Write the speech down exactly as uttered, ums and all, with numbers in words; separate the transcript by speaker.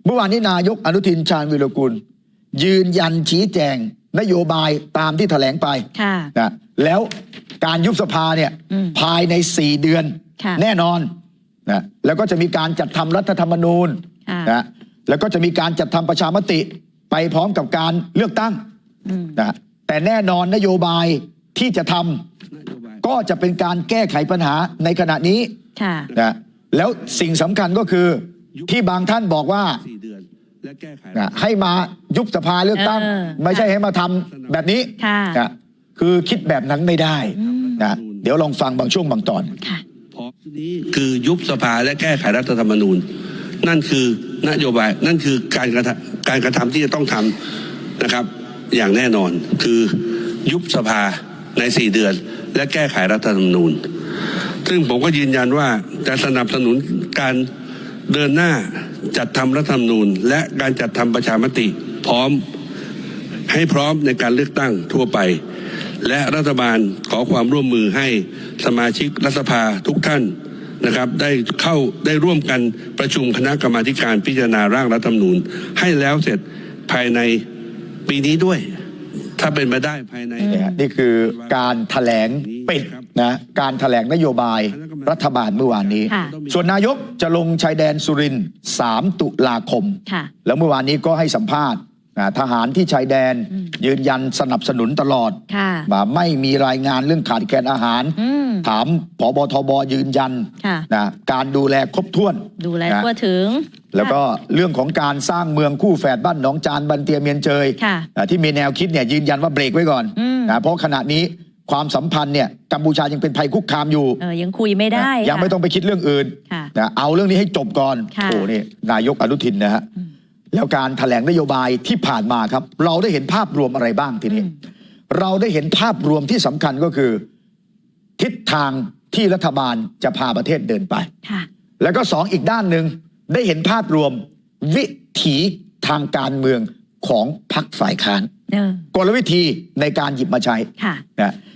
Speaker 1: เมื่อวานนี้นายกอนุทินชาญวิรกูลยืนยันชี้แจงนโยบายตามที่แถลงไปนะแล้วการยุบสภาเนี่ยภายในสี่เดือนแน่นอนนะแล้วก็จะมีการจัดทำรัฐธรรมนูญนะแล้วก็จะมีการจัดทำประชามติไปพร้อมกับการเลือกตั้งนะแต่แน่นอนนโยบายที่จะทำก็จะเป็นการแก้ไขปัญหาในขณะนี้นะแล้วสิ่งสำคัญก็คือที่บางท่านบอกว่านะให้มายุบสภาเลือกตั้งไม่ใช่ให้มาทำแบบนี้นะคือคิดแบบนั้นไม่ได้นะเดี๋ยวลองฟังบางช่วงบางตอน
Speaker 2: คือยุบสภาและแก้ไขรัฐธรรมนูญนั่นคือนโยบายนั่นคือการกระทำการกระทำที่จะต้องทำนะครับอย่างแน่นอนคือยุบสภาในสี่เดือนและแก้ไขรัฐธรรมนูญซึ่งผมก็ยืนยันว่าจะสนับสนุนการเดินหน้าจัดทำรัฐธรรมนูญและการจัดทำประชามติพร้อมให้พร้อมในการเลือกตั้งทั่วไปและรัฐบาลขอความร่วมมือให้สมาชิกรัฐสภาทุกท่านนะครับได้เข้าได้ร่วมกันประชุมคณะกรรมาธิการพิจารณาร่างรัฐธรรมนูญให้แล้วเสร็จภายในปีนี้ด้วยถ้าเป็นไปได้ภายใน
Speaker 1: นี่คือการแถลงปิดนะการแถลงนโยบายรัฐบาลเมื่อวานนี้ส่วนนายกจะลงชายแดนสุรินทร์สามตุลาคมแล้วเมื่อวานนี้ก็ให้สัมภาษณ์ทหารที่ชายแดนยืนยันสนับสนุนตลอดไม่มีรายงานเรื่องขาดแคลนอาหารถามผบทบยืนยันนะการดูแลครบถ้วน
Speaker 3: ดูแลทั่วถึง
Speaker 1: แล้วก็เรื่องของการสร้างเมืองคู่แฝดบ้านหนองจานบันเตียเมียนเจยที่มีแนวคิดเนี่ยยืนยันว่าเบรกไว้ก่อนนะเพราะขณะนี้ความสัมพันธ์เนี่ยกัมพูชายังเป็นภัยคุกคามอยู่
Speaker 3: ยังคุยไม่ได้
Speaker 1: ยังไม่ต้องไปคิดเรื่องอื่นนะเอาเรื่องนี้ให้จบก่อนโอ้นี่นายกอนุทินนะฮะแล้วการแถลงนโยบายที่ผ่านมาครับเราได้เห็นภาพรวมอะไรบ้างทีนี้เราได้เห็นภาพรวมที่สำคัญก็คือทิศทางที่รัฐบาลจะพาประเทศเดินไปแล้วก็สองอีกด้านหนึ่งได้เห็นภาพรวมวิถีทางการเมืองของพรรคฝ่ายค้านกลวิธีในการหยิบมาใช้นะ